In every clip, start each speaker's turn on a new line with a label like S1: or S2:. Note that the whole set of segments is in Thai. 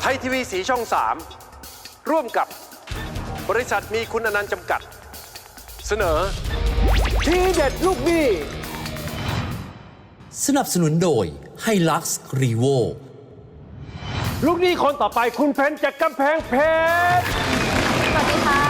S1: ทยทีวีสีช่อง 3 ร่วมกับบริษัทมีคุณอนันต์จำกัด เสนอทีเด็ดลูกหนี้
S2: สนับสนุนโดยไฮลักซ์รีโว
S1: ลูกหนี้คนต่อไปคุณเพนจากกำแพงเพชร
S3: สวัสดีค่ะ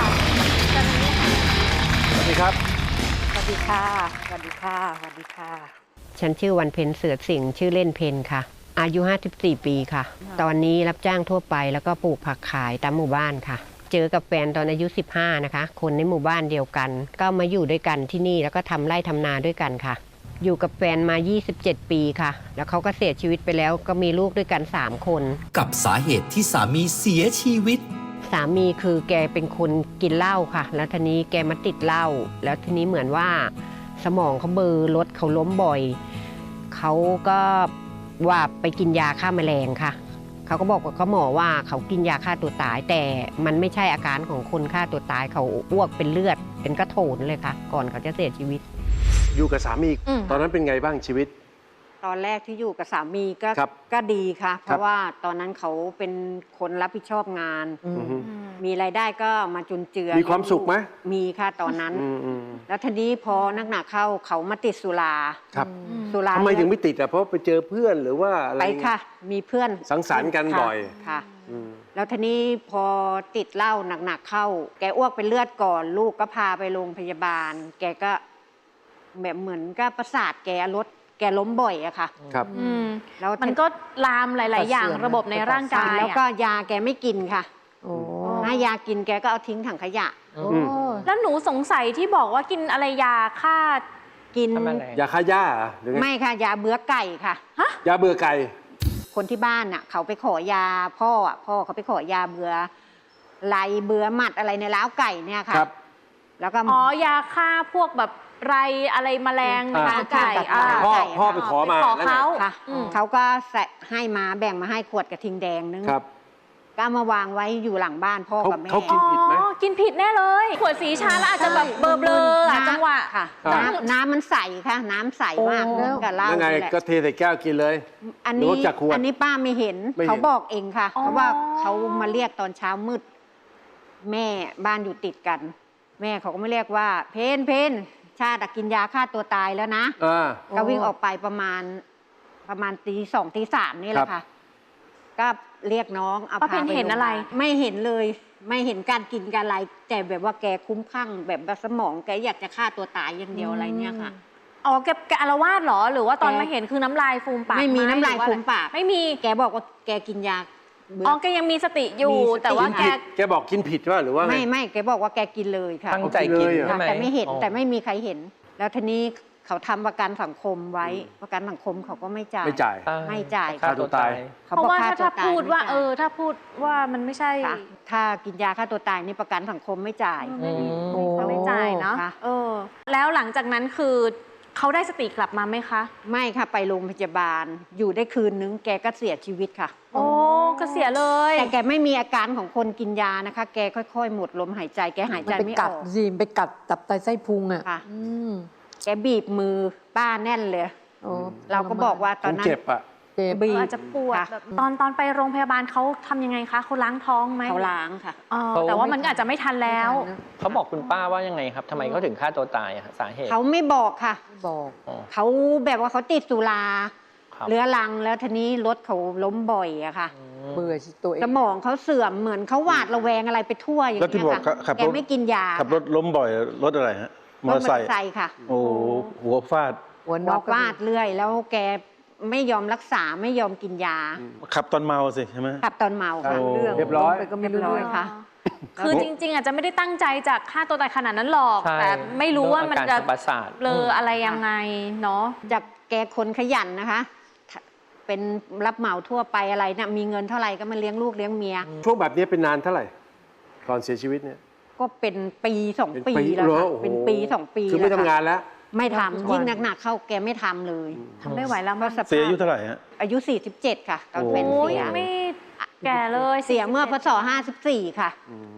S1: สวัสดีครับ
S3: สวัสดีค่ะ สวัสดีค่ะ สวัสดีค่ะ
S4: ฉันชื่อวันเพ็ญเสือสิงห์ชื่อเล่นเพนค่ะ อายุ 54 ปีค่ะ ตอนนี้รับจ้างทั่วไปแล้วก็ปลูกผักขายตามหมู่บ้านค่ะ เจอกับแฟนตอนอายุ 15 นะคะ คนในหมู่บ้านเดียวกัน ก็มาอยู่ด้วยกันที่นี่แล้วก็ทำไร่ทำนาด้วยกันค่ะ อยู่กับแฟนมา 27 ปีค่ะ แล้วเขาก็เสียชีวิตไปแล้วก็มีลูกด้วยกัน 3 คน
S2: กับสาเหตุที่สามีเสียชีวิต
S4: สามีคือแกเป็นคนกินเหล้าค่ะ แล้วทีนี้แกมาติดเหล้าแล้วทีนี้เหมือนว่าสมองเขาเบลอรถเขาล้มบ่อยเขาก็ว่าไปกินยาฆ่าแมลงค่ะเขาก็บอกกับเขาหมอว่าเขากินยาฆ่าตัวตายแต่มันไม่ใช่อาการของคนฆ่าตัวตายเขาอ้วกเป็นเลือดเป็นกระโถนเลยค่ะก่อนเขาจะเสียชีวิต
S1: อยู่กับสามีตอนนั้นเป็นไงบ้างชีวิต
S3: ตอนแรกที่อยู่กับสามีก็ดีค่ะเพราะว่าตอนนั้นเขาเป็นคนรับผิดชอบงานมีรายได้ก็มาจุนเจือ
S1: มีความสุขไหม
S3: มีค่ะตอนนั้นแล้วทีนี้พอนักหนาเข้าเขามาติดสุรา
S1: ครับสุราทำไมถึงไม่ติดอ่ะเพราะไปเจอเพื่อนหรือว่าอะไร
S3: ไปค่ะมีเพื่อน
S1: สังสรรค์กันบ่อย
S3: ค่ะแล้วทีนี้พอติดเหล้าหนักๆเข้าแกอ้วกเป็นเลือดก่อนลูกก็พาไปโรงพยาบาลแกก็แบบเหมือนก็ประสาทแกล้มบ่อยอะค่ะ
S1: ครับ
S5: แล้วมันก็ลามหลายๆอย่างระบบในร่างกาย
S3: แล้วก็ยาแกไม่กินค่ะถ้ายากินแกก็เอาทิ้งถังขยะ
S5: แล้วหนูสงสัยที่บอกว่ากินอะไรยาฆ่า
S3: กิน
S1: ยาฆ่าหญ้าหรือ
S3: ไม่ค่ะยาเบื่อไก่ค่ะ
S1: ยาเบื่อไก่
S3: คนที่บ้านน่ะเขาไปขอยาพ่อเขาไปขอยาเบื่อไรเบื่อหมัดอะไรในล้าวไก่เนี่ยค่ะ
S5: แล้วก็ยาฆ่าพวกแบบไรอะไรแมลงในล้าวไก่
S1: พ่อไปขอมา
S3: เขาก็ให้มาแบ่งมาให้ขวดกระทิงแดงนึงก็มาวางไว้อยู่หลังบ้านพ่อกับแม่
S1: เขากินผิดไหม
S5: กินผิดแน่เลยขวดสีชาแล้วอาจจะแบบเบลอจังหวะ
S3: ค่ะน้ำมันใสค่ะน้ำใสมากกับเหล้า
S1: ยังไงก็เทใส่แก้วกินเลย
S3: อันนี้ป้าไม่เห็นเขาบอกเองค่ะเพราะว่าเขามาเรียกตอนเช้ามืดแม่บ้านอยู่ติดกันแม่เขาก็ไม่เรียกว่าเพนชาติกินยาฆ่าตัวตายแล้วนะก็วิ่งออกไปประมาณตี 2 ตี 3นี่แหละค่ะก็เรียกน้องเอาพาไป
S5: เห็นอะไร
S3: ไม่เห็นเลยไม่เห็นการกินการอะไรแต่แบบว่าแกคุ้มคลั่งแบบสมองแกอยากจะฆ่าตัวตายอย่างเดียวอะไรเนี่ยค่ะ
S5: แกอาละวาดเหรอหรือว่าตอนมาเห็นคือน้ำลายฟูมปาก
S3: ไม่มีน้ำลายฟูมปาก
S5: ไม่มี
S3: แกบอกว่าแกกินยา
S5: แกยังมีสติอยู่แต่ว่า
S1: แกบอกกินผิดว่าหรือว่า
S3: ไม่แกบอกว่าแกกินเลยค่ะ
S1: ตั้งใจกิน
S3: แต่ไม่เห็นแต่ไม่มีใครเห็นแล้วทีนี้เขาทำประกันสังคมไว้ประกันสังคมเขาก็ไม่จ่าย
S1: ไม่
S3: จ่าย
S1: ฆ่าตัวตาย
S5: เพราะว่าถ้าพูดว่าถ้าพูดว่ามันไม่ใช่
S3: ถ้ากินยาฆ่าตัวตายนี่ประกันสังคมไม่จ่าย
S5: เขาไม่จ่ายเนาะแล้วหลังจากนั้นคือเขาได้สติกลับมาไหมคะ
S3: ไม่ค่ะไปโรงพยาบาลอยู่ได้คืนนึงแกก็เสียชีวิตค่ะ
S5: ก็เสียเลย
S3: แต่แกไม่มีอาการของคนกินยานะคะแกค่อยๆหมดลมหายใจแกหายใจไม่ออก
S6: ไปกัดตับไตไส้พุงอ่ะ
S3: แกบีบมือป้าแน่นเลยเราก็บอกว่าตอนนั้น
S1: เจ็บอ่ะ
S5: อาจจะปวดแบบตอนไปโรงพยาบาลเขาทำยังไงคะเขาล้างท้องไหม
S3: เขาล้างค่ะ
S5: แต่ว่ามันอาจจะไม่ทันแล้ว
S7: เขาบอกคุณป้าว่ายังไงครับทำไมเขาถึงฆ่าตัวตายสาเหตุ
S3: เขาไม่บอกค่ะบอกเขาแบบว่าเขาติดสุราเรื้อรังแล้วทีนี้รถเขาล้มบ่อยอะค่ะ
S6: เบื่อตัวเอง
S3: สมองเขาเสื่อมเหมือนเขาหวาดระแวงอะไรไปทั่วอย่างเงี้ยค่ะแกไม่กินยา
S8: ขับรถล้มบ่อยรถอะไรฮะมอเตอร์ไซค์
S3: ค่ะ
S8: โอ้หัวฟาด
S3: ฟาดเรื่อยแล้วแกไม่ยอมรักษาไม่ยอมกินยา
S8: ขับตอนเมาสิใช่ไหม
S3: ขับตอนเมาค่ะ
S1: เรียบร้อย
S3: ก็เรียบร้อยค่ะ
S5: คือจริงๆอาจจะไม่ได้ตั้งใจจากฆ่าตัวตายขนาดนั้นหรอกแต่ไม่รู้ว่ามันจะเบลออะไรยังไงเนาะ
S3: จากแกคนขยันนะคะเป็นรับเหมาทั่วไปอะไรเนี่ยมีเงินเท่าไหร่ก็มาเลี้ยงลูกเลี้ยงเมีย
S1: ช่วงแบบนี้เป็นนานเท่าไหร่ก่อนเสียชีวิตเนี่ย
S3: ก็เป็นปี2 ปีแล้วค่ะเป็นปี2 ปี
S1: คือไม่ทำงานแล้ว
S3: ไม่ทำยิ่งหนักๆเข้าแกไม่ทำเลย
S5: ทำไม่ไหวแล้ว
S8: เสียอายุเท่าไหร่ฮะ
S3: อายุ47ค่ะตอนเป็นเสีย
S5: ไม่แก่เลย
S3: เสียเมื่อพศ54ค่ะ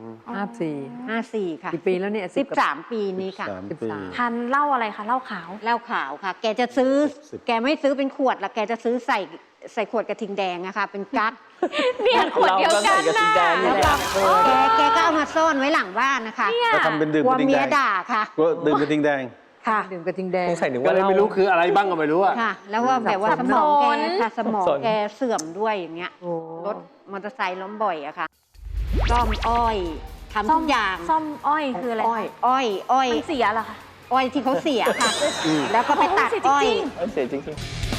S6: 54
S3: ค่ะ
S6: กี่ปีแล้วเนี่ย
S3: 13 ปีนี้ค่ะ
S5: ทานเหล้าอะไรคะเหล้าขาว
S3: ค่ะแกจะซื้อแกไม่ซื้อเป็นขวดละแกจะซื้อใส่ใส่ขวดกระทิงแดงอะค่ะเป็นกั๊ก
S5: เนี่ยขวดเดียวกัน
S7: เราก็ใส่กระทิงแดงนี่
S5: นะ
S7: แหละ
S3: แกก็เอามาซ่อนไว้หลังบ้านนะคะ
S8: ก็ทำเป็นดื่ม
S3: กลั
S8: ก
S3: ว
S8: ระทิง
S3: เมี
S8: แด
S3: ย
S8: ง
S3: ด่าค่ะ
S8: ก็ดื่มกระทิงแดง
S3: ค่ะ
S6: ดื่มกระทิงแดง
S7: สงสัยนึก
S1: ก็
S7: ว่า
S1: เลย
S7: เรา
S1: ไม่รู้คืออะไรบ้างก็ไม่รู้อะ
S3: ค่ะ แล้วว่าแบบว่า
S6: สั
S3: ส
S6: บสน
S3: มองแก
S5: สับสน
S3: ค่ะสมอง
S7: สับสน
S3: แกเสื่อมด้วยอย่างเงี้ย
S6: โอ้
S3: รถมอเตอร์ไซค์ล้มบ่อยอะค่ะซ่อมอ้อยทำทุกอย่าง
S5: ซ่อมอ้อยคืออะไร
S6: อ้อย
S3: อ้อย
S5: มันเสียเหรอคะ
S3: อ้อยที่เขาเสียค่ะ แล้วก็ไปตัด
S5: โอ้
S3: อ้อย
S5: เสียจริง
S7: เสียจริง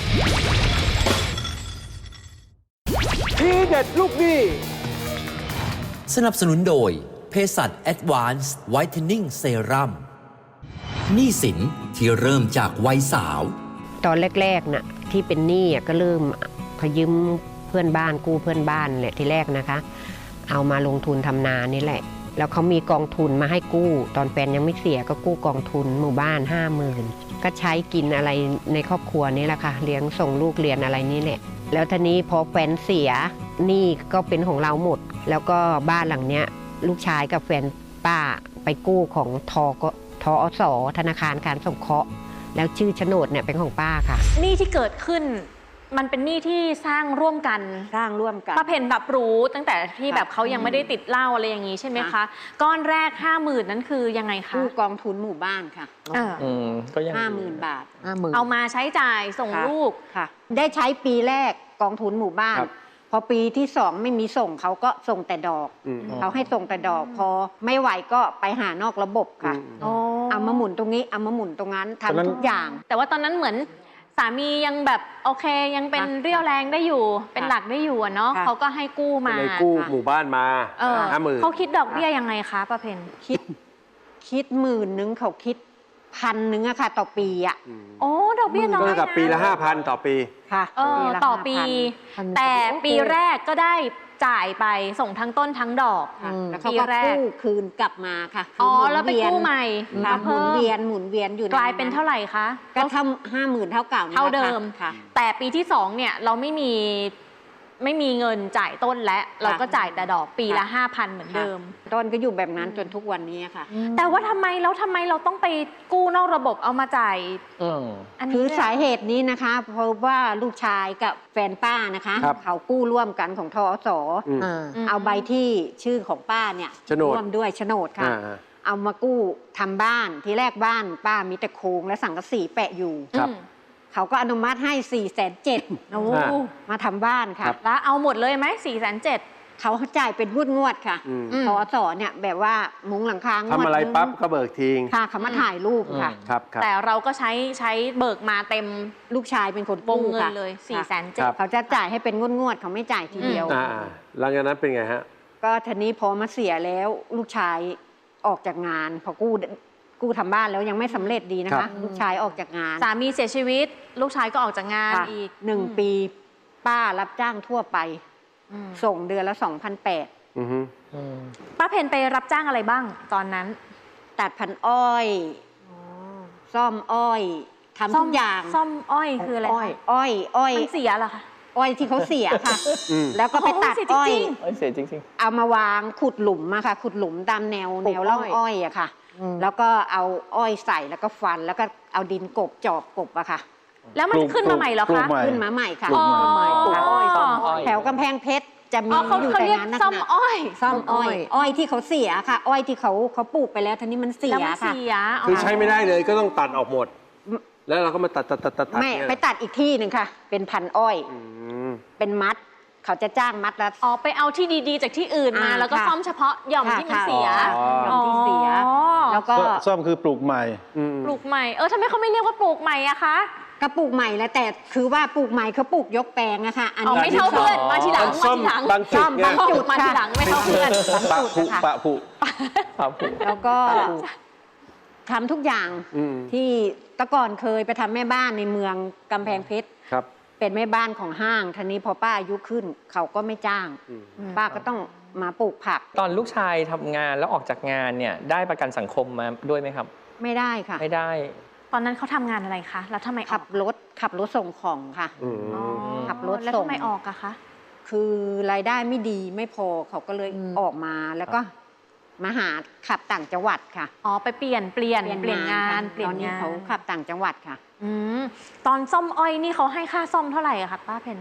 S1: ทีเด็ดลูกหนี้
S2: สนับสนุนโดยเภสัช Advanced Whitening Serum หนี้สินที่เริ่มจากวัยสาว
S4: ตอนแรกๆน่ะที่เป็นหนี้ก็เริ่มขยืมเพื่อนบ้านกู้เพื่อนบ้านแหละที่แรกนะคะ เอามาลงทุนทำนานี่แหละ แล้วเขามีกองทุนมาให้กู้ ตอนแฟนยังไม่เสียก็กู้กองทุนหมู่บ้าน 50,000ก็ใช้กินอะไรในครอบครัวนี่แหละค่ะเลี้ยงส่งลูกเรียนอะไรนี่แหละแล้วทีนี้พอแฟนเสียหนี้ก็เป็นของเราหมด แล้วก็บ้านหลังเนี้ยลูกชายกับแฟนป้าไปกู้ของทอสธนาคารการสงเคราะห์แล้วชื่อโฉนดเนี่ยเป็นของป้าค่ะ
S5: ๆหนี้ที่เกิดขึ้น มันเป็นหนี้ที่สร้างร่วมกัน
S3: สร้างร่วมกัน
S5: ป้าเพนรับรู้ตั้งแต่ที่แบบเขายังไม่ได้ติดเหล้าอะไรอย่างนี้ใช่ไหมคะ
S3: ค่ะ
S5: ก้อนแรก 50,000นั้นคือยังไงคะ
S3: กู้กองทุนหมู่บ้านค่ะ
S5: เออ
S7: ก็ยัง
S3: 50,000 บาท
S6: 50,000
S5: เอามาใช้จ่ายส่ง
S3: ค่ะ
S5: ลูก
S3: ค่ะ ได้ใช้ปีแรกกองทุนหมู่บ้าน
S1: ครับ
S3: พอปีที่สองไม่มีส่งเขาก็ส่งแต่ดอก
S1: อืม
S3: เขาให้ส่งแต่ดอก พอไม่ไหวก็ไปหานอกระบบค่ะ เอามาหมุนตรงนี้เอามาหมุนตรงนั้น
S8: ตอนนั้น
S3: ทำทุกอย่าง
S5: แต่ว่าตอนนั้นเหมือนสามียังแบบโอเคยังเป็น
S3: ค่ะ
S5: เรี่ยวแรงได้อยู่ เป็นหลักได้อยู่อะเนาะ
S3: ค่ะ
S5: เขาก็ให้กู้
S1: ก็
S5: มา
S1: เลยกู้หมู่บ้านมา
S5: เออ
S1: 50,000
S5: เขาคิดดอกเบี้ยยังไงคะป้าเพน
S3: คิด10,000เขาคิด1,000อะค่ะ ต่อปีอะ
S5: โอ้ดอกเบี้ยน้อ
S1: ก็
S5: ย
S1: เท่ากับ
S5: นะ
S1: ปีละ 5,000 ต่อปี
S3: ค่ะ
S5: เออ
S3: ละ
S5: ต่อปี
S3: 5,000
S5: แต่ปีแรกก็ได้จ่ายไปส่งทั้งต้นทั้งดอก
S3: ค่ะ
S6: อืม
S3: แล้วเขา
S5: ปี
S3: ก็
S5: แรก
S3: กู้คืนกลับมาค่ะคื
S5: อ๋อ
S3: หมุน
S5: แล้วไป
S3: เยน
S5: กู้ใหม่
S3: ค่ะ
S5: มา
S3: หมุ
S5: เพิ่
S3: น
S5: ม
S3: เวียนอยู่
S5: กลายเป็นเท่าไหร่คะ
S3: ก็ทำ50,000เท่าเก่านี่
S5: เท่า
S3: แหละ
S5: เดิม
S3: ค่ะ
S5: แต่ปีที่2เนี่ยเราไม่มีเงินจ่ายต้นและเราก็จ่ายแต่ดอกปีละ 5,000 เหมือนเดิม
S3: ต้นก็อยู่แบบนั้นจนทุกวันนี้ค่ะ
S5: แต่ว่าทำไมเราต้องไปกู้นอกระบบเอามาจ่ายอันนี้
S3: คือ
S5: ด้วย
S3: สาเหตุนี้นะคะเพราะว่าลูกชายกับแฟนป้านะคะ
S1: ครับ
S3: เขากู้ร่วมกันของทอส
S1: อืม
S6: อ่า
S3: เอาใบที่ชื่อของป้าเนี่ย
S1: โฉนด
S3: ร่วมด้วยโฉนดค่ะ
S1: อ่า
S3: เอามากู้ทำบ้านทีแรกบ้านป้ามีแต่โครงและสังกะสีแปะอยู่
S1: ครับ
S3: เขาก็อนุมัติให้ 470,000
S5: โอ้
S1: อ่า
S3: มาทำบ้านค่ะ
S5: แล้วเอาหมดเลยไหม4,700,000
S3: เขาจ่ายเป็นงวดๆค่ะ
S1: อืม
S3: ทอสเนี่ยแบบว่ามุงหลังคางวด
S1: ทำอะไร
S3: นึง
S1: ปั๊บก็เบิกทิ้ง
S3: ค่ะเขามาถ่ายรูปค่ะ
S1: ครับครับ
S5: แต่เราก็ใช้เบิกมาเต็ม
S3: ลูกชายเป็นคน
S5: วง
S3: กู้
S5: เงิน
S3: ค่ะ
S5: เลย
S3: ค่ะ
S5: 4,700,000
S3: เขาจะจ่ายให้เป็นงวดๆเขาไม่จ่ายทีเดียว
S1: หลังจากนั้นเป็นไงฮะ
S3: ก็ทีนี้พอมาเสียแล้วลูกชายออกจากงาน พอกู้ทำบ้านแล้วยังไม่สำเร็จดีนะ
S1: ครั
S3: คะ
S1: บ
S3: ลูกชายออกจากงาน
S5: สามีเสียชีวิต ลูกชายก็ออกจากงาน
S3: ค่ะ
S5: อีก
S3: 1 ปีป้ารับจ้างทั่วไป
S5: อืม
S3: ส่งเดือนละ 2,800
S1: อือฮึ
S5: ป้าเพนไปรับจ้างอะไรบ้างตอนนั้น
S3: ตัดพันอ้อย ซ่อมอ้อยทำทุกอย่าง
S5: ซ่อมอ้อยคืออะไร
S6: อ้อย
S5: คะ
S3: อ้อย
S5: มันเสียเหรอคะ
S3: อ้อยที่เขาเสียค่ะ
S1: อืม
S3: แล้วก็ไปตัด
S5: โอ้ยเสียจ
S3: อ้อย
S5: ริง
S7: เสียจริง
S3: เอามาวางขุดหลุมมาค่ะ ขุดหลุมตามแนว
S6: ปลูก
S3: ร่อง
S6: อ้อย
S3: อ้อยอะค่ะ
S6: อืม
S3: แล้วก็เอาอ้อยใส่แล้วก็ฟันแล้วก็เอาดินกบจอบกบอะค่ะ
S5: แล้วมันขึ้นมาใหม่เหรอ
S8: ปลู
S5: คะ
S8: กใหม่
S3: ขึ้นมาใหม่ค่ะ
S8: ปลูกใหม่
S6: ปลูกอ้อย
S5: อ๋อ
S6: ซ่อมอ้อย
S3: แถวกำแพงเพชรจะมี
S5: อ๋อเขา
S3: อยู่
S5: เขา
S3: แต่
S5: เรียก
S3: งานนัก
S5: ซ่อม
S3: หนา
S5: อ้อย
S3: ซ่อมอ้อย
S6: อ้อย
S3: อ้อยที่เขาเสียค่ะ อ้อยที่เขาปลูกไปแล้วทีนี้มันเสี
S5: แล้ว
S3: ย
S5: มัน
S3: ค่ะ
S5: เสีย
S1: คือใช้ไม่ได้เลยก็ต้องตัดออกหมด แล้วเราก็มาตัด
S3: ไม่
S1: เนี่ย
S3: ไปตัดอีกที่หนึ่งค่ะ เป็นพันอ้อย
S1: อืม
S3: เป็นมัด เขาจะจ้างมัดละ
S5: อ๋อไปเอาที่ดีๆ จากที่อื่นมา แล้วก็
S3: ค่ะ
S5: ซ่อมเฉพาะหย่อม
S3: ค่ะ
S5: ที่มันเสีย
S3: ค่ะหย่อมที่เสีย
S5: อ๋อ
S3: แล้วก็
S8: ซ่อมคือปลูกใหม่
S1: อืม
S5: ปลูกใหม่ทำไมเขาไม่เรียกว่าปลูกใหม่อะคะ
S3: ก็ปลูกใหม่แล้วแต่คือว่าปลูกใหม่เขาปลูกยกแปลงอะค่ะ อัน
S5: อ๋อ
S3: นี้
S5: ไม่เท่าเพื่อนมาทีหลัง
S1: ซ่อม
S5: มาทีหลัง
S1: บางจุดไง
S3: ซ่อมบางจุด
S5: มาทีหลังไม่เท่าเพื่อน
S8: ปะผุ
S3: ค่ะ
S8: ปะผุ
S7: ครับผม
S3: แล้วก็ทำทุกอย่าง
S1: อืม
S3: ที่แตะก่อนเคยไปทำแม่บ้านในเมืองกำแพงเพชร
S1: ครับ
S3: เป็นแม่บ้านของห้างทีนี้พอป้าอายุขึ้น เขาก็ไม่จ้าง
S1: อืม
S3: ป้าก็ต้องมาปลูกผัก
S7: ตอนลูกชายทำงานแล้วออกจากงานเนี่ยได้ประกันสังคมมาด้วยไหมครับ
S3: ไม่ได้ค่ะ
S7: ไม่ได้
S5: ตอนนั้นเขาทำงานอะไรคะ แล้วทำไมอ
S3: ขั
S5: อก
S3: บรถส่งของค่ะ
S1: อืม
S5: อ๋อ
S3: ขับรถ
S5: แล้ว
S3: ส่ง
S5: ทำไมออกอะคะ
S3: คือรายได้ไม่ดีไม่พอเขาก็เลย
S6: อืม
S3: ออกมาแล้วก็มาหาขับต่างจังหวัดค่ะ
S5: อ๋อไปเปลี่ยนงาน
S3: ค่ะ
S5: เปลี่ยน
S3: ตอนนี้
S5: งาน
S3: เขาขับต่างจังหวัดค่ะ
S5: อืมตอนซ่อมอ้อยนี่เขาให้ค่าซ่อมเท่าไหร่อะคะป้าเพน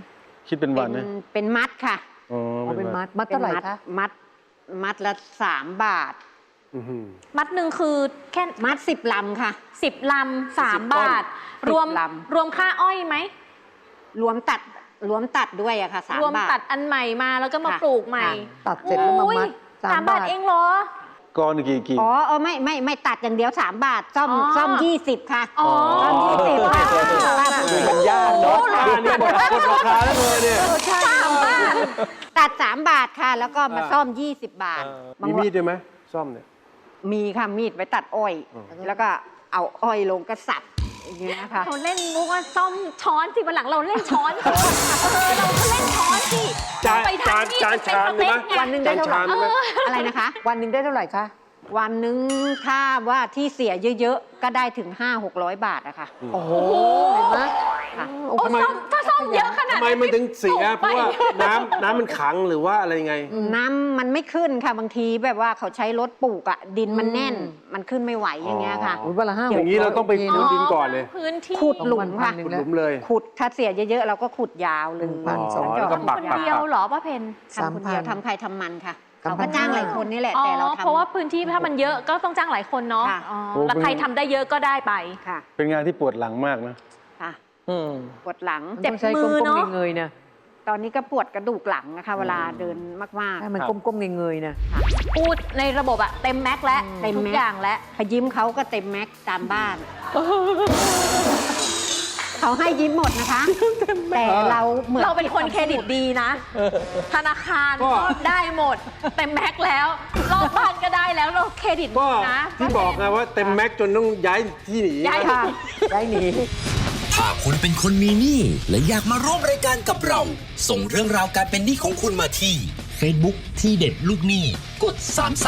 S8: คิดเป็นวันนะ
S3: เป็นมัดค่ะ
S8: อ๋อ
S6: เอาเป็นมัด มัด
S3: ป็
S6: เท่าน ไหร่คะ
S3: มัดละ3 บาท
S8: อื้อหือ
S5: มัดหนึ่งคือแค่
S3: มัด10 ลำค่ะ
S5: 10 ลำ 3 บาท
S3: 10
S5: รวม
S3: ลำ
S5: รวมค่าอ้อยไหม
S3: รวมตัดด้วยอะค่ะ3
S5: รวม
S3: บาท
S5: ตัดอันใหม่มาแล้วก็มา
S3: ค่ะ
S5: ปลูกใหม่
S6: ตัดเสร็จแล้วมา
S5: โอ้ย
S6: มัด
S5: 3 บาทเองเหรอ
S8: ก้อนกี่
S3: อ๋อไม่ตัดอย่างเดียว3 บาทซ่อม20ค่ะ
S5: อ๋อ
S3: ซ่อม20ค่ะ
S1: มันยากเนาะนี่หมดราคาแล้วเลยเนี่ย
S5: 3 บาท
S3: ตัด3 บาทค่ะ แล้วก็มาซ่อม20 บาท
S1: มีมีดด้วยไหมซ่อมเนี่ย
S3: มีค่ะมีดไว้ตัดอ้อย แล้วก็เอาอ้อยลงกระสับอย่างเงี้ยค่ะ
S5: เขาเล่นมุกว่าซ่อมช้อนสิวันหลังเราเล่นช้อนสิเราก็เล่นช้อนสิ
S1: จาน
S5: ไปทางนี้
S1: จาน
S5: เป็น
S1: ชาม
S5: สเป
S1: ใช่ไหม
S5: คไง
S6: วันหนึ่งได้เท่าไหร่
S1: จานชาม
S3: อะไรนะคะ
S6: วันหนึ่งได้เท่าไหร่คะ
S3: วันหนึงถ้าว่าที่เสียเยอะๆ ก็ได้ถึง 500-600 บาทอะค่ะ
S6: โอ้โห เห็นไหม
S3: ค่ะ
S5: โอ้ซ่อมถ้าซ่อมเยอะขนาด
S1: ทำไม
S5: นั้น
S1: มันถึงเสีย
S5: ถูก
S1: เพราะว่าน้ำมันขังหรือว่าอะไรไง
S3: น้ำมันไม่ขึ้นค่ะบางทีแบบว่าเขาใช้รถปลูกอะดินมันแน่น มันขึ้นไม่ไหวอย่างเงี้ยค่ะ
S6: โอ้ยวันละ5
S1: อย่างนี้เราต้องไป
S6: 600
S1: ขุดดินก่อนเลย
S5: พื้นที่
S3: ขุดหลุมค่ะ
S1: ขุดหลุมเลย
S3: ขุดถ้าเสียเยอะๆ เราก็ขุดยาวเลย
S6: 1,200
S1: แล้วก็ปัก
S5: คนเดียวเหรอป้าเพน
S3: ทำคนเดียว
S6: 3,000
S3: ทำใครทำมันค่ะ
S6: 3,000
S3: เขาก็จ้างหลายคนนี่แหละ
S5: อ๋อ
S3: แต่เราทำ
S5: เพราะว่าพื้นที่ถ้ามันเยอะก็ต้องจ้างหลายคนเนาะ
S3: ค่ะ
S5: อ๋อ
S8: โอ้
S5: แล้วใครทำได้เยอะก็ได้ไป
S3: ค่ะ
S8: เป็นงานที่ปวดหลังมากนะ
S3: ค่ะ
S7: อืม
S3: ปวดหลัง
S6: มัน
S5: เจ็บ
S6: ต้องใช้
S5: มือเนอะ
S6: ก้มๆเงยๆนะ
S3: ตอนนี้ก็ปวดกระดูกหลังนะคะเวลาเดินมาก
S6: ใช่มันก้มๆเงยๆนะ
S5: พูดในระบบอะเต็มแม็กซ์แล้ว
S3: เต็ม
S5: ทุ
S3: แม็
S5: ก
S3: กซ์
S5: อย่างแล้ว
S3: ๆพอยิ้มเขาก็เต็มแม็กซ์ตามบ้าน เขาให้ยิ้มหมดนะคะ แต่เราเหมือน
S5: เราเป็นคนเครดิตดีนะ ธนาคาร
S1: ก็
S5: ก็ได้หมด เต็มแม็กซ์แล้วรอบบ้านก็ได้แล้วเราเครดิต
S1: ก็
S5: ดีนะ
S1: ที่บอกไงว่าเต็มแม็กซ์จนต้องย้ายที่หนี
S5: ย้าย
S3: ค่ะ
S6: ได้หนี
S2: ถ้าคุณเป็นคนมีหนี้และอยากมาร่วมรายการกับเรา ส่งเรื่องราวการเป็นหนี้ของคุณมาที่ Facebook ที่เด็ดลูกหนี้กด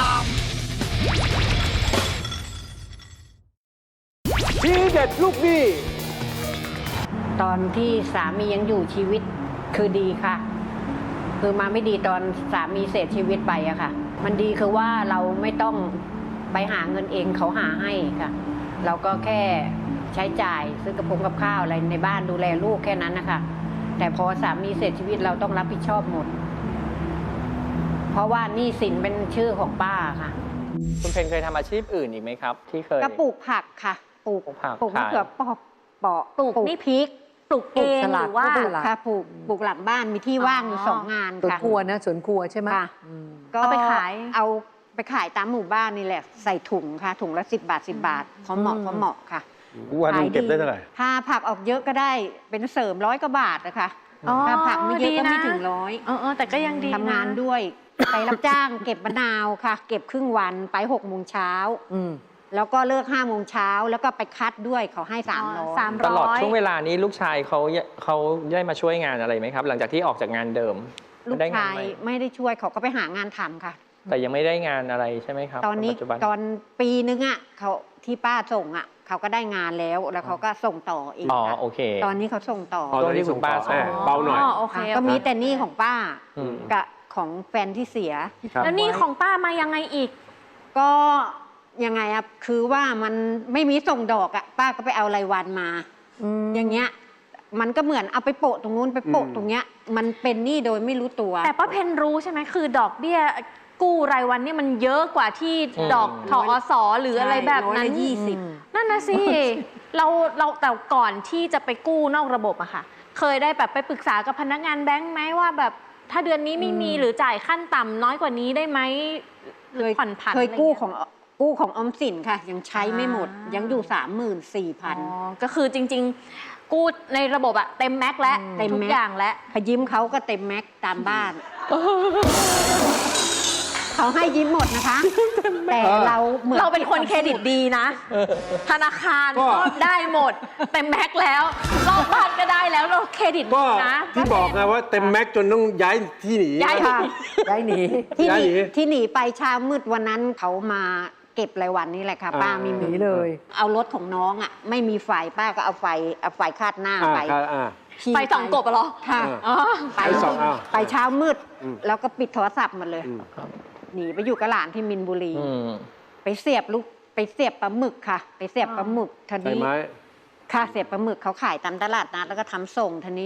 S2: 33
S1: ทีเด็ดลูกหนี้
S3: ตอนที่สามียังอยู่ชีวิตคือดีค่ะ คือมาไม่ดีตอนสามีเสียชีวิตไปอะค่ะ มันดีคือว่าเราไม่ต้องไปหาเงินเองเขาหาให้ค่ะ เราก็แค่ใช้จ่ายซื้อกระพงกับข้าวอะไรในบ้านดูแลลูกแค่นั้นนะคะแต่พอสามีเสียชีวิตเราต้องรับผิดชอบหมด เพราะว่าหนี้สินเป็นชื่อของป้าค่ะ
S7: คุณเพนเคยทำอาชีพอื่นอีกไหมครับ ที่เคย
S3: ก็ปลูกผักค่ะ ปลูก
S7: ปลูกผัก
S3: ปลูกมะ
S7: ขาย
S3: เขือเปาะ
S5: ปลูกนี่พริก ปลูกเอง
S6: ปลูกสลัด
S5: หรือว่า
S6: ปลู
S3: ปลูกค่ะปลูกหลังบ้านมีที่ว่างอยู่
S5: อ๋อ
S3: 2 งาน
S6: สวน
S3: ค่ะ
S6: ครัวนะสวนครัวใช่ไหม
S3: ค่ะ
S6: อืม
S3: ก็
S5: เอาไปขาย
S3: เอาไปขายตามหมู่บ้านนี่แหละ ใส่ถุงค่ะ ถุงละ10 บาท 10 บาทพอเหมาะค่ะ
S8: วันหนึงเก็บได้เท่าไหร่
S3: ถ้าผักออกเยอะก็ได้เป็นเสริม100 กว่าบาทนะคะถ้าผักไม่เยอะก็ไม่ถึงร้อย
S5: แต่ก็ยังดีนะ
S3: ทำงานด้วย ไปรับจ้างเก็บมะนาวค่ะ เก็บครึ่งวันไป6 โมงเช้า
S6: อืม
S3: แล้วก็เลิก5 โมงเช้าแล้วก็ไปคัดด้วยเขาให้
S5: อ๋อ
S3: 300
S7: ตลอดช่วงเวลานี้ลูกชายเขาได้มาช่วยงานอะไรไหมครับ หลังจากที่ออกจากงานเดิม
S3: ลูก
S7: ได้งา
S3: ชาน ย
S7: ไหม
S3: ไม่ได้ช่วยเขาก็ไปหางานทำค่ะ
S7: แต่ยังไม่ได้งานอะไรใช่ไหมครับ
S3: ตอนนี้
S7: ปัจจุบัน
S3: ตอนปีนึงอ่ะเขาที่ป้าส่งอ่ะเขาก็ได้งานแล้วเขาก็ส่งต่ออีก
S7: อ๋อ
S3: ค่ะ
S7: โอเค
S3: ตอนนี้เขาส่งต่อ
S1: อ๋อ
S7: ตอนนี้คุณป้าส่ง
S1: เบาหน่อย
S5: โอเค
S3: ก็มีแต่หนี้ของป้า
S7: อืม
S3: กับของแฟนที่เสีย
S1: ครับ
S5: แล้วนี่ของป้ามายังไงอีก
S3: ก็ยังไงอ่ะคือว่ามันไม่มีส่งดอกอ่ะป้าก็ไปเอารายวันมา อย่างเงี้ยมันก็เหมือนเอาไปโปะตรงนู้นไปโปะตรงเนี้ยมันเป็นหนี้โดยไม่รู้ตัว
S5: แต่ป้าเพนรู้ใช่ไหมคือดอกเบี้ยกู้รายวันเนี่ยมันเยอะกว่าที่ดอกทอสหรืออะไรแบบนั้น
S3: ร้อยละ20
S5: นั่นนะสิ เราแต่ก่อนที่จะไปกู้นอกระบบอะค่ะ เคยได้แบบไปปรึกษากับพนักงานแบงค์ไหมว่าแบบถ้าเดือนนี้ไม่มีหรือจ่ายขั้นต่ำน้อยกว่านี้ได้ไหมหรือผ่อนผัน
S3: เคย
S5: อะไร
S3: กู้
S5: งี้
S3: ของออมสินค่ะ ยังใช้ไม่หมด
S5: อ่ายั
S3: ยังอยู่
S5: อ๋อ
S3: 34,000
S5: ก็คือจริง ๆ กู้ในระบบอะเต็มแม็กซ์แล้ว
S3: เต็ม
S5: ทุก
S3: แม็กซ์
S5: อย่างแล้ว
S3: พอยิ้มเขาก็เต็มแม็กซ์ตามบ้าน เขาให้ยิ้มหมดนะคะ แต่เราเหมือน
S5: เราเป็นคนเครดิตดีนะ ธนาคาร
S1: ก็
S5: ก็ได้หมด เต็มแม็กซ์แล้ว รอบบ้านก็ได้แล้วเราเครดิต
S1: ก็
S5: ดีนะ
S1: ที่บอกไงว่าเต็มแม็กซ์จนต้องย้ายที่หนี
S5: ย้าย
S3: ค่ะ
S6: ได้หนี
S3: ที่ห
S1: ย้ายหนี
S3: นีที่หนีไปเช้ามืดวันนั้นเขามาเก็บรายวันนี่แหละค่ะ ป้าไม่
S6: ห
S3: มี
S6: นีเลย
S3: เอารถของน้องอ่ะ ไม่มีไฟป้าก็เอาไฟคาดหน้าไป ขี่
S5: ไปส่องกบอะเหรอ
S3: ค่ะ
S5: อ๋อ
S3: ไป
S1: ไปส่องเอา
S3: ไปเช้ามืด
S1: อืม
S3: แล้วก็ปิดโทรศัพท์หมดเลย
S1: อืม
S3: หนีไปอยู่กับหลานที่มินบุรี
S7: อืม
S3: ไปเสียบปลาหมึกค่ะ ไปเสียบปลาหมึกที
S1: ใช่
S3: นี้
S1: ไหม
S3: ค่ะเสียบปลาหมึกเขาขายตามตลาดนัดแล้วก็ทำส่งทีนี้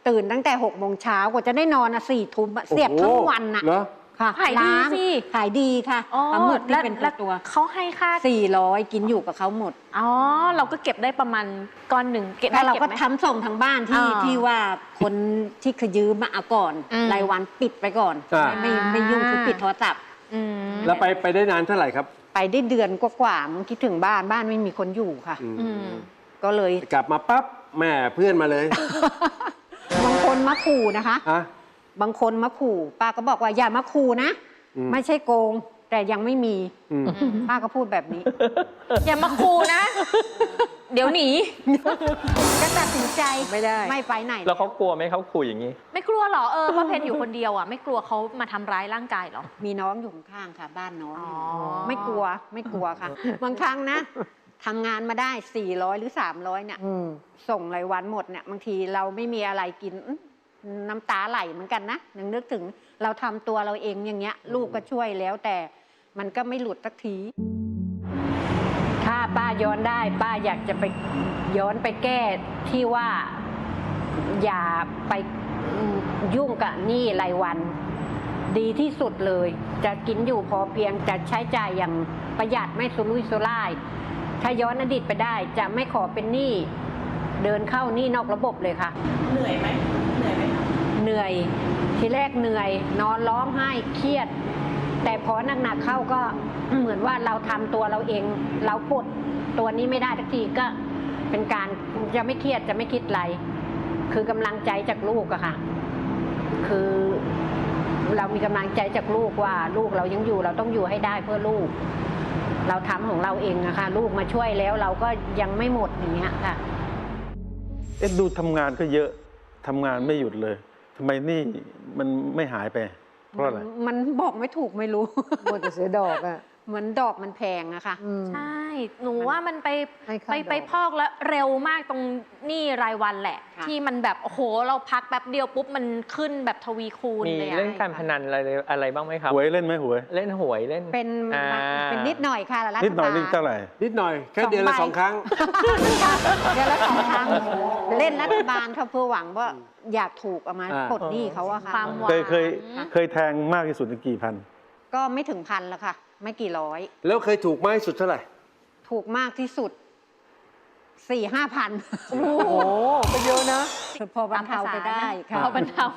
S3: ตื่นตั้งแต่6 โมงเช้ากว่าจะได้นอน4 ทุ่มเสียบทั้งวันน่ะ
S1: เหรอ
S3: ค่ะ
S5: ขายดี
S3: ร้น
S5: สิ
S3: ขายดีค่ะ
S5: อ๋อ
S3: ปลาหมึกที่เป็น
S5: แล้ว
S3: ตัว
S5: เขาให้ค่า
S3: 400กินอยู่กับเขาหมด
S5: อ๋อ เราก็เก็บได้ประมาณก้อนหนึ่งเก็บได้
S3: แล้วเรา
S5: เก็บ
S3: ก็
S5: ไหม
S3: ทำส่งทางบ้านที่
S5: อ่า
S3: ที่ว่าคนที่ขยืมมาเอาก่อน
S5: อืม
S3: รายวันปิดไปก่อน
S1: อ่า
S3: ไม่ยุ่งคือปิดโทรศัพท์
S5: อืม
S1: แล้วไปได้นานเท่าไหร่ครับ
S3: ไปได้เดือนกว่าๆมันคิดถึงบ้านไม่มีคนอยู่ค่ะ
S5: อืม
S3: ก็เลย
S1: กลับมาปั๊บแม่เพื่อนมาเลย
S3: บางคนมาขู่นะคะ
S1: อะ
S3: บางคนมาขู่ป้าก็บอกว่าอย่ามาขู่นะ
S1: อืม
S3: ไม่ใช่โกง แต่ยังไม่มี
S1: อืม
S3: ป้าก็พูดแบบนี้
S5: อย่ามาคูนะ เดี๋ยวหนี
S3: ก็ตัดสินใจ
S6: ไม่ได้
S3: ไม่ไปไหน
S7: แล้วเขากลัวไหมเขาขู่อย่างนี้
S5: ไม่กลัวเหรอป้าเพนอยู่คนเดียวอ่ะไม่กลัวเขามาทำร้ายร่างกายเหรอ
S3: มีน้องอยู่ข้างๆค่ะ บ้านน้อง
S5: อ๋อ
S3: ไม่กลัวไม่กลัวค่ะ บางครั้งนะทำงานมาได้400หรือ300เนี่ย
S6: อืม
S3: ส่งรายวันหมดเนี่ยบางทีเราไม่มีอะไรกินน้ำตาไหลเหมือนกันนะนึกถึงเราทำตัวเราเองอย่างเงี้ย ลูกก็ช่วยแล้วแต่มันก็ไม่หลุดสักที ถ้าป้าย้อนได้ ป้าอยากจะไปย้อนไปแก้ที่ว่า อย่าไปยุ่งกับหนี้รายวัน ดีที่สุดเลย จะกินอยู่พอเพียงจะใช้จ่ายอย่างประหยัดไม่สุรุ่ยสุร่าย ถ้าย้อนอดีตไปได้ จะไม่ขอเป็นหนี้เดินเข้าหนี้นอกระบบเลยค่ะ
S5: เหนื่อยไหมเหนื่อยไหม
S3: เหนื่อยทีแรกเหนื่อย นอนร้องไห้เครียด แต่พอหนักๆเข้าก็เหมือนว่าเราทำตัวเราเอง เราปลดตัวนี้ไม่ได้ทักทีก็เป็นการจะไม่เครียดจะไม่คิดอะไร คือกำลังใจจากลูกอะค่ะ คือเรามีกำลังใจจากลูกว่าลูกเรายังอยู่เราต้องอยู่ให้ได้เพื่อลูก เราทำของเราเองอะค่ะ ลูกมาช่วยแล้วเราก็ยังไม่หมดอย่างเงี้ยค่ะ
S8: ดูทำงานก็เยอะทำงานไม่หยุดเลยทำไมนี่มันไม่หายไป เพราะอะไร
S3: มันบอกไม่ถูกไม่รู้
S6: หมดแต่เสียดอกอ่ะ
S3: เหมือนดอกมันแพงอะค่ะ
S6: อืม
S5: ใช่ หนูว่ามันไป
S6: ให้ค่าดอก
S5: ไปพอกแล้วเร็วมากตรงหนี้รายวันแหละ
S3: ค่ะ
S5: ที่มันแบบโอ้โหเราพักแป๊บเดียวปุ๊บมันขึ้นแบบทวีคูณ
S7: มี
S5: เลยอะ
S7: เล่นการพนันอะไรบ้างไหมครับ
S8: หวยเล่นไหมหวย
S7: เล่นหวยเล่น
S3: เป็น
S7: อ่า
S3: เป็นนิดหน่อยค่ะรัฐบาล
S8: นิดหน่อยนี่เท่าไหร่
S1: นิดหน่อยแค่เดือนละ
S3: 2 ใบ
S1: 2 ครั้ง
S3: เดือนละ2 ครั้งเล่นรัฐบาลเขาเพื่อหวังว่าอยากถูกเอามา
S1: อ่า
S3: ปลดหนี้เขาอะค่ะ
S5: ความหวัง
S8: เคยแทงมากที่สุดกี่พัน
S3: ก็ไม่ถึงพันแล้วค่ะ ไม่กี่ร้อย
S1: แล้วเคยถูกมากที่สุดเท่าไหร่
S3: ถูกมากที่สุด 4-5 พัน
S6: โอ้โหก็เยอะนะ
S3: พอบรรเทาไปได้ค่ะ
S5: พอบรรเทา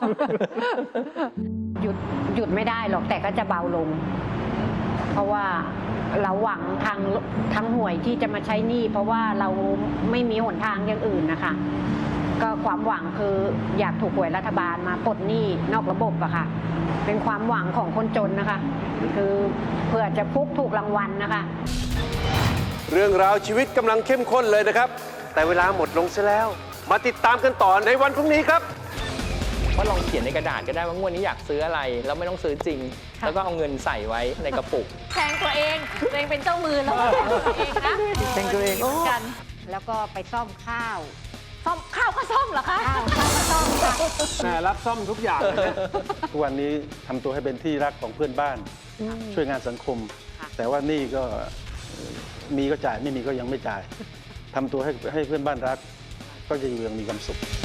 S3: หยุดไม่ได้หรอกแต่ก็จะเบาลง เพราะว่าเราหวังทางหวยที่จะมาใช้หนี้เพราะว่าเราไม่มีหนทางอย่างอื่นนะคะ ก็ความหวังคืออยากถูกหวยรัฐบาลมาปลดหนี้นอกระบบอะค่ะ เป็นความหวังของคนจนนะคะ คือเผื่อจะฟุกถูกรางวัลนะคะ
S1: เรื่องราวชีวิตกำลังเข้มข้นเลยนะครับ แต่เวลาหมดลงซะแล้ว มาติดตามกันต่อในวันพรุ่งนี้ครับ
S7: ก็ลองเขียนในกระดาษก็ได้ว่างวดนี้อยากซื้ออะไร แล้วไม่ต้องซื้อจริง แล้วก็เอาเงินใส่ไว้ในกระปุก
S5: แทงตัวเองเป็นเจ้ามือแล้วแทงตัวเองนะ
S6: แทงตัวเอง
S5: หมืนกัน
S3: แล้วก็ไปซ่อมข้าว
S5: ซ่อมข้าวก็ซ่อมเหรอคะ
S3: ข้าวก็ซ่อมค่ะ
S1: แม่รับซ่อมทุกอย่างเลยนะ
S8: ทุกวันนี้ทำตัวให้เป็นที่รักของเพื่อนบ้าน ช่วยงานสังคม
S3: ค่ะ
S8: แต่ว่านี่ก็มีก็จ่ายไม่มีก็ยังไม่จ่ายทำตัวให้เพื่อนบ้านรัก ก็จะอยู่อย่างมีความสุข